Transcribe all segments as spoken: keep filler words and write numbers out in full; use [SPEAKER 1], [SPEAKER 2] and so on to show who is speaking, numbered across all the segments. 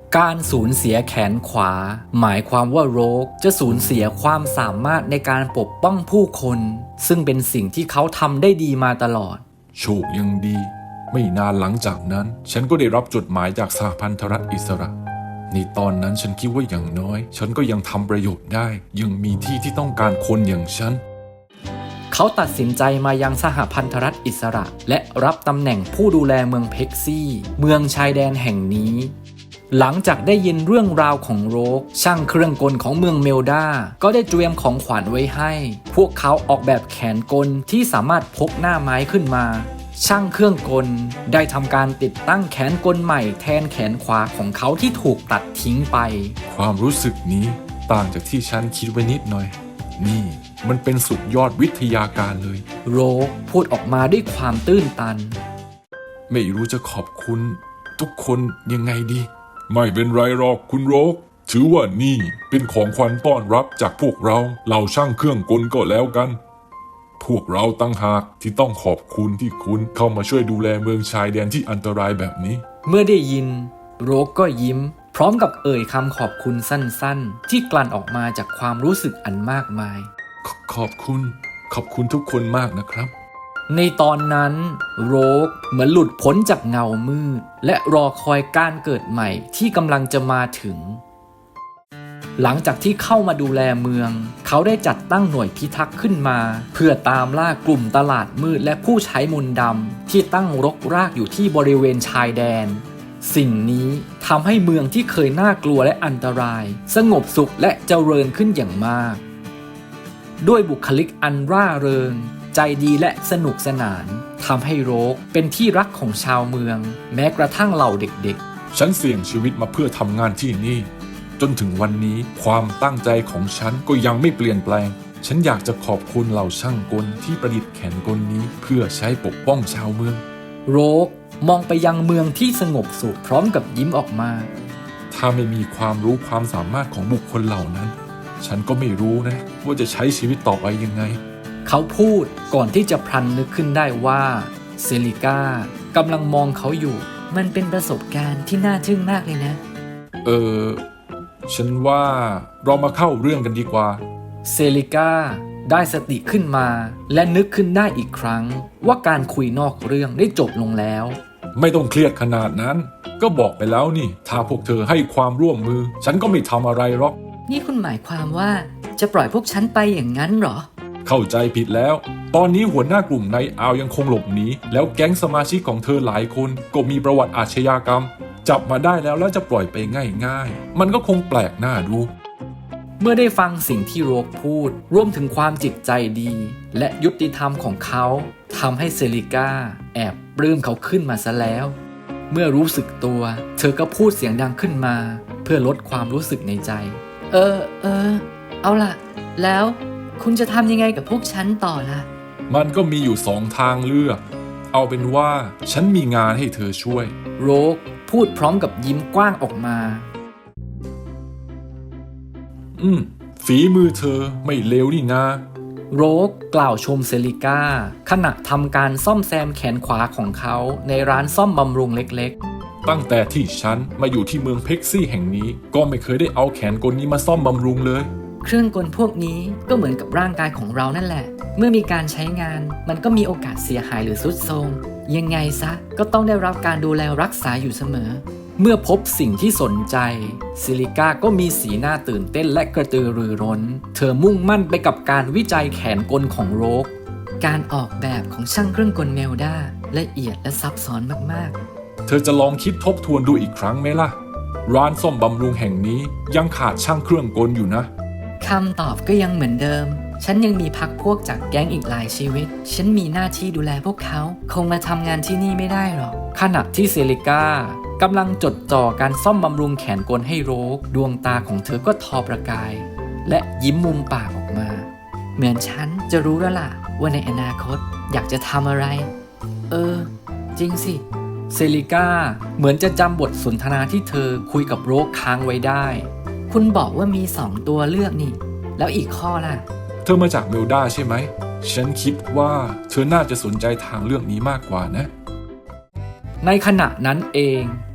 [SPEAKER 1] การสูญเสียแขนขวาหมายความว่าโรคจะสูญเสียความสามารถในการปกป้องผู้คนซึ่งเป็นสิ่งที่เขาทำได้ดีมาตลอด
[SPEAKER 2] โชคยังดีไม่นานหลังจากนั้นฉันก็ได้รับจดหมายจากสหพันธรัฐอิสระในตอนนั้นฉันคิดว่าอย่างน้อยฉันก็ยังทำประโยชน์ได้ยังมีที่ที่ต้องการคนอย่างฉัน
[SPEAKER 1] เขาตัดสินใจมายังสหพันธรัฐอิสระและรับตำแหน่งผู้ดูแลเมืองเพ็กซี่เมืองชายแดนแห่งนี้หลังจากได้ยินเรื่องราวของโรคช่างเครื่องกลของเมืองเมลดาก็ได้เตรียมของขวัญไว้ให้พวกเขาออกแบบแขนกลที่สามารถพกหน้าไม้ขึ้นมาช่างเครื่องกลได้ทำการติดตั้งแขนกลใหม่แทนแขนขวาของเขาที่ถูกตัดทิ้งไป
[SPEAKER 2] ความรู้สึกนี้ต่างจากที่ฉันคิดไว้นิดหน่อยนี่มันเป็นสุดยอดวิทยาการเลย
[SPEAKER 1] โรคพูดออกมาด้วยความตื้นตัน
[SPEAKER 2] ไม่รู้จะขอบคุณทุกคนยังไงดีไม่เป็นไรหรอกคุณโรคถือว่านี่เป็นของขวัญต้อนรับจากพวกเราเหล่าช่างเครื่องกลก็แล้วกันพวกเราตั้งหากที่ต้องขอบคุณที่คุณเข้ามาช่วยดูแลเมืองชายแดนที่อันตรายแบบนี้
[SPEAKER 1] เมื่อได้ยินโรคก็ยิ้มพร้อมกับเอ่ยคำขอบคุณสั้นๆที่กลั่นออกมาจากความรู้สึกอันมากมาย
[SPEAKER 2] ขขอบคุณขอบคุณทุกคนมากนะครับ
[SPEAKER 1] ในตอนนั้นโรคเหมือนหลุดพ้นจากเงามืดและรอคอยการเกิดใหม่ที่กำลังจะมาถึงหลังจากที่เข้ามาดูแลเมืองเขาได้จัดตั้งหน่วยพิทักษ์ขึ้นมาเพื่อตามล่ากลุ่มตลาดมืดและผู้ใช้มนต์ดำที่ตั้งรกรากอยู่ที่บริเวณชายแดนสิ่งนี้ทำให้เมืองที่เคยน่ากลัวและอันตรายสงบสุขและเจริญขึ้นอย่างมากด้วยบุคลิกอันร่าเริงใจดีและสนุกสนานทำให้โรคเป็นที่รักของชาวเมืองแม้กระทั่งเหล่าเด็ก
[SPEAKER 2] ๆฉันเสี่ยงชีวิตมาเพื่อทำงานที่นี่จนถึงวันนี้ความตั้งใจของฉันก็ยังไม่เปลี่ยนแปลงฉันอยากจะขอบคุณเหล่าช่างกลที่ประดิษฐ์แขนกลนี้เพื่อใช้ปกป้องชาวเมือง
[SPEAKER 1] โรคมองไปยังเมืองที่สงบสุขพร้อมกับยิ้มออกมา
[SPEAKER 2] ถ้าไม่มีความรู้ความสามารถของบุคคลเหล่านั้นฉันก็ไม่รู้นะว่าจะใช้ชีวิตต่อไปยังไง
[SPEAKER 1] เขาพูดก่อนที่จะพลันนึกขึ้นได้ว่าเซลิก้ากำลังมองเขาอยู่มันเป็นประสบการณ์ที่น่าทึ่งมากเลยนะ
[SPEAKER 2] เออฉันว่าเรามาเข้าเรื่องกันดีกว่า
[SPEAKER 1] เซลิก้าได้สติขึ้นมาและนึกขึ้นได้อีกครั้งว่าการคุยนอกเรื่องได้จบลงแล้ว
[SPEAKER 2] ไม่ต้องเครียดขนาดนั้นก็บอกไปแล้วนี่ถ้าพวกเธอให้ความร่วมมือฉันก็ไม่ทำอะไรหรอก
[SPEAKER 1] นี่คุณหมายความว่าจะปล่อยพวกฉันไปอย่างนั้นหรอ
[SPEAKER 2] เข้าใจผิดแล้วตอนนี้หัวหน้ากลุ่มนายอาวยังคงหลบหนีแล้วแก๊งสมาชิกของเธอหลายคนก็มีประวัติอาชญากรรมจับมาได้แล้วแล้วจะปล่อยไปง่ายๆมันก็คงแปลกหน้าดู
[SPEAKER 1] เมื่อได้ฟังสิ่งที่โรคพูดรวมถึงความจิตใจดีและยุติธรรมของเขาทำให้เซลิก้าแอบปลื้มเขาขึ้นมาซะแล้วเมื่อรู้สึกตัวเธอก็พูดเสียงดังขึ้นมาเพื่อลดความรู้สึกในใจเออเออเอาล่ะแล้วคุณจะทำยังไงกับพวกฉันต่อล่ะ
[SPEAKER 2] มันก็มีอยู่สองทางเลือกเอาเป็นว่าฉันมีงานให้เธอช่วย
[SPEAKER 1] โรคพูดพร้อมกับยิ้มกว้างออกมา
[SPEAKER 2] อืมฝีมือเธอไม่เลวนี่นะ
[SPEAKER 1] โรคกล่าวชมเซลิก้าขณะทำการซ่อมแซมแขนขวาของเขาในร้านซ่อมบำรุงเล็ก
[SPEAKER 2] ๆตั้งแต่ที่ฉันมาอยู่ที่เมืองเพ็กซี่แห่งนี้ก็ไม่เคยได้เอาแขนกลนี้มาซ่อมบำรุงเลย
[SPEAKER 1] เครื่องกลพวกนี้ก็เหมือนกับร่างกายของเรานั่นแหละเมื่อมีการใช้งานมันก็มีโอกาสเสียหายหรือทรุดโทรมยังไงซะก็ต้องได้รับการดูแลรักษาอยู่เสมอเมื่อพบสิ่งที่สนใจซิลิก้าก็มีสีหน้าตื่นเต้นและกระตือรือร้นเธอมุ่งมั่นไปกับการวิจัยแขนกลของโรคการออกแบบของช่างเครื่องกลเมลดาละเอียดและซับซ้อนมาก
[SPEAKER 2] ๆเธอจะลองคิดทบทวนดูอีกครั้งไหมล่ะร้านซ่อมบำรุงแห่งนี้ยังขาดช่างเครื่องกลอยู่นะ
[SPEAKER 1] คำตอบก็ยังเหมือนเดิมฉันยังมีพรรคพวกจากแก๊งอีกหลายชีวิตฉันมีหน้าที่ดูแลพวกเขาคงมาทำงานที่นี่ไม่ได้หรอกขณะที่เซลิก้ากำลังจดจ่อการซ่อมบำรุงแขนกลให้โรคดวงตาของเธอก็ทอประกายและยิ้มมุมปากออกมาเหมือนฉันจะรู้แล้วล่ะว่าในอนาคตอยากจะทำอะไรเออจริงสิเซลิก้าเหมือนจะจำบทสนทนาที่เธอคุยกับโรคค้างไว้ได้คุณบอกว่ามีสองตัวเลือกนี่แล้วอีกข้อล่ะ
[SPEAKER 2] เธอมาจากเมลดาใช่ไหมฉันคิดว่าเธอน่าจะสนใจทางเลือกนี้มากกว่านะ
[SPEAKER 1] ในขณะนั้นเอง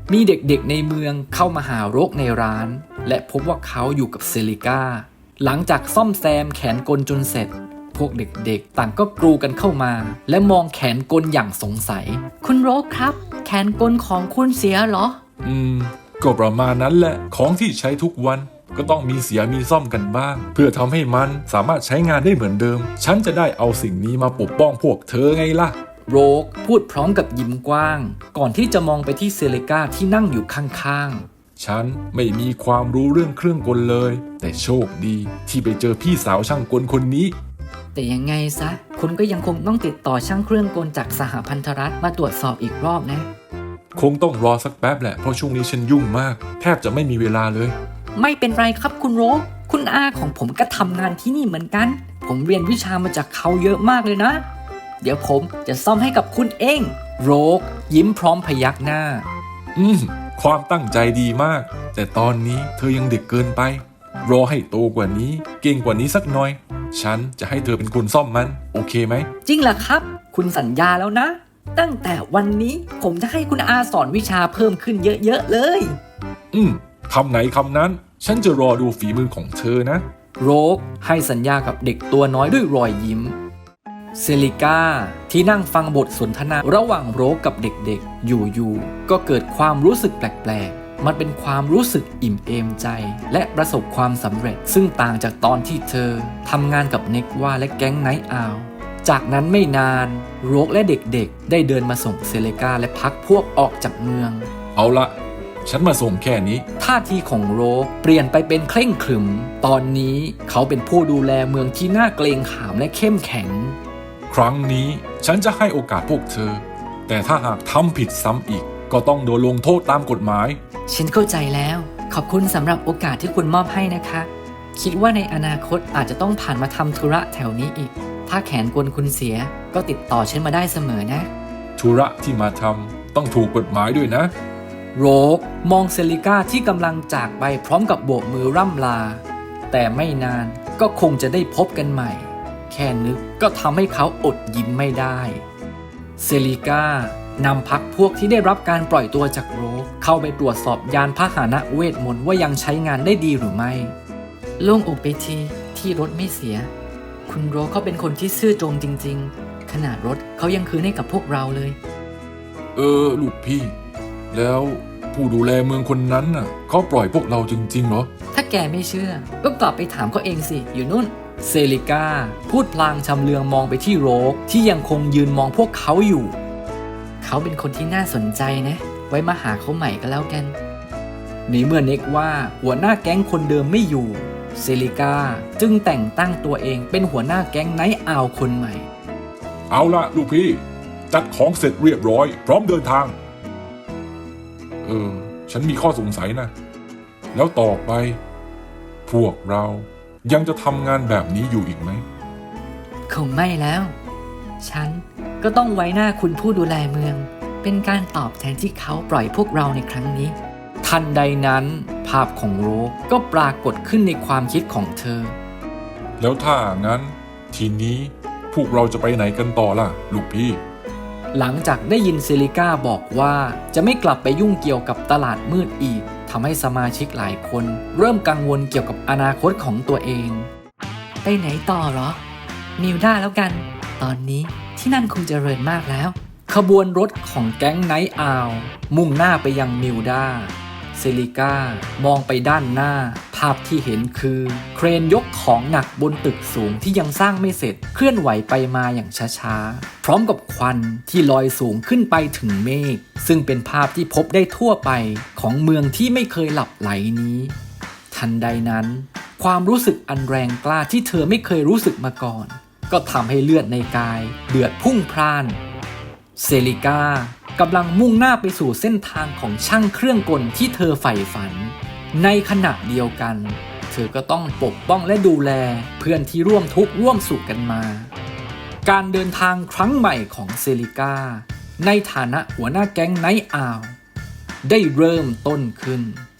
[SPEAKER 1] มีเด็กๆในเมืองเข้ามาหาโรคในร้านและพบว่าเขาอยู่กับเซลิก้าหลังจากซ่อมแซมแขนกลจนเสร็จพวกเด็กๆต่างก็กรูกันเข้ามาและมองแขนกลอย่างสงสัยคุณโรคครับแขนกลของคุณเสียเหรอ
[SPEAKER 2] อืมก็ประมาณนั้นแหละของที่ใช้ทุกวันก็ต้องมีเสียมีซ่อมกันบ้างเพื่อทำให้มันสามารถใช้งานได้เหมือนเดิมฉันจะได้เอาสิ่งนี้มาปกป้องพวกเธอไงล่ะ
[SPEAKER 1] โรคพูดพร้อมกับยิ้มกว้างก่อนที่จะมองไปที่เซเลกาที่นั่งอยู่ข้าง
[SPEAKER 2] ๆฉันไม่มีความรู้เรื่องเครื่องกลเลยแต่โชคดีที่ไปเจอพี่สาวช่างกลคนนี้
[SPEAKER 1] แต่ยังไงซะคุณก็ยังคงต้องติดต่อช่างเครื่องกลจากสหพันธรัฐมาตรวจสอบอีกรอบนะ
[SPEAKER 2] คงต้องรอสักแป๊บแหละเพราะช่วงนี้ฉันยุ่งมากแทบจะไม่มีเวลาเลย
[SPEAKER 1] ไม่เป็นไรครับคุณโรคคุณอาของผมก็ทำงานที่นี่เหมือนกันผมเรียนวิชามาจากเขาเยอะมากเลยนะเดี๋ยวผมจะซ่อมให้กับคุณเองโรคยิ้มพร้อมพยักหน้า
[SPEAKER 2] อืมความตั้งใจดีมากแต่ตอนนี้เธอยังเด็กเกินไปรอให้โตกว่านี้เก่งกว่านี้สักหน่อยฉันจะให้เธอเป็นคนซ่อมมันโอเคไหม
[SPEAKER 1] จริงเหรอครับคุณสัญญาแล้วนะตั้งแต่วันนี้ผมจะให้คุณอาสอนวิชาเพิ่มขึ้นเยอะๆเลย
[SPEAKER 2] อืมคำไหนคำนั้นฉันจะรอดูฝีมือของเธอนะ
[SPEAKER 1] โรคให้สัญญากับเด็กตัวน้อยด้วยรอยยิ้มเซลิก้าที่นั่งฟังบทสนทนาระหว่างโรคกับเด็กๆอยู่ๆก็เกิดความรู้สึกแปลกๆมันเป็นความรู้สึกอิ่มเอมใจและประสบความสำเร็จซึ่งต่างจากตอนที่เธอทำงานกับเน็กว่าและแก๊งไนท์อาวจากนั้นไม่นานโรคและเด็กๆได้เดินมาส่งเซเลกาและพักพวกออกจากเมือง
[SPEAKER 2] เอาละฉันมาส่งแค่นี้
[SPEAKER 1] ท่าทีของโรคเปลี่ยนไปเป็นเคร่งขรึมตอนนี้เขาเป็นผู้ดูแลเมืองที่น่าเกรงขามและเข้มแข็ง
[SPEAKER 2] ครั้งนี้ฉันจะให้โอกาสพวกเธอแต่ถ้าหากทำผิดซ้ำอีกก็ต้องโดนลงโทษตามกฎหมาย
[SPEAKER 1] ฉันเข้าใจแล้วขอบคุณสำหรับโอกาสที่คุณมอบให้นะคะคิดว่าในอนาคตอาจจะต้องผ่านมาทำธุระแถวนี้อีกถ้าแขนกลคุณเสียก็ติดต่อฉันมาได้เสมอนะ
[SPEAKER 2] ธุระที่มาทำต้องถูกกฎหมายด้วยนะ
[SPEAKER 1] โรคมองเซลิก้าที่กำลังจากไปพร้อมกับโบกมือร่ำลาแต่ไม่นานก็คงจะได้พบกันใหม่แค่นึกก็ทำให้เขาอดยิ้มไม่ได้เซลิก้านำพักพวกที่ได้รับการปล่อยตัวจากโรคเข้าไปตรวจสอบยานพาหนะเวทมนต์ว่ายังใช้งานได้ดีหรือไม่โล่งอกไปทีที่รถไม่เสียคุณโรคเขาเป็นคนที่ซื่อตรงจริงๆขนาดรถเขายังคืนให้กับพวกเราเลย
[SPEAKER 2] เออลูกพี่แล้วผู้ดูแลเมืองคนนั้นน่ะเขาปล่อยพวกเราจริงๆเหรอ
[SPEAKER 1] ถ้าแกไม่เชื่อก็กลับไปถามเขาเองสิอยู่นู่นเซลิก้าพูดพลางชำเลืองมองไปที่โรคที่ยังคงยืนมองพวกเขาอยู่เขาเป็นคนที่น่าสนใจนะไว้มาหาเขาใหม่ก็แล้วกันในเมื่อเน็กว่าหัวหน้าแก๊งคนเดิมไม่อยู่เซลิก้าจึงแต่งตั้งตัวเองเป็นหัวหน้าแก๊งไนท์อาวคนใหม่
[SPEAKER 2] เอาละลูกพี่จัดของเสร็จเรียบร้อยพร้อมเดินทางเออฉันมีข้อสงสัยนะแล้วต่อไปพวกเรายังจะทำงานแบบนี้อยู่อีกไหม
[SPEAKER 1] คงไม่แล้วฉันก็ต้องไว้หน้าคุณผู้ดูแลเมืองเป็นการตอบแทนที่เขาปล่อยพวกเราในครั้งนี้ทันใดนั้นภาพของโรคก็ปรากฏขึ้นในความคิดของเธอ
[SPEAKER 2] แล้วถ้างั้นทีนี้พวกเราจะไปไหนกันต่อล่ะลูกพี่
[SPEAKER 1] หลังจากได้ยินเซลิก้าบอกว่าจะไม่กลับไปยุ่งเกี่ยวกับตลาดมืดอีกทำให้สมาชิกหลายคนเริ่มกังวลเกี่ยวกับอนาคตของตัวเองไปไหนต่อเหรอมิวด้าแล้วกันตอนนี้ที่นั่นคงเจริญมากแล้วขบวนรถของแก๊งไนท์อาวมุ่งหน้าไปยังมิวด้าเซลิก้ามองไปด้านหน้าภาพที่เห็นคือเครนยกของหนักบนตึกสูงที่ยังสร้างไม่เสร็จเคลื่อนไหวไปมาอย่างช้าๆพร้อมกับควันที่ลอยสูงขึ้นไปถึงเมฆซึ่งเป็นภาพที่พบได้ทั่วไปของเมืองที่ไม่เคยหลับไหลนี้ทันใดนั้นความรู้สึกอันแรงกล้าที่เธอไม่เคยรู้สึกมาก่อนก็ทำให้เลือดในกายเดือดพุ่งพล่านเซลิก้ากำลังมุ่งหน้าไปสู่เส้นทางของช่างเครื่องกลที่เธอใฝ่ฝันในขณะเดียวกันเธอก็ต้องปกป้องและดูแลเพื่อนที่ร่วมทุกข์ร่วมสุขกันมาการเดินทางครั้งใหม่ของเซลิก้าในฐานะหัวหน้าแก๊งไนท์อาวได้เริ่มต้นขึ้น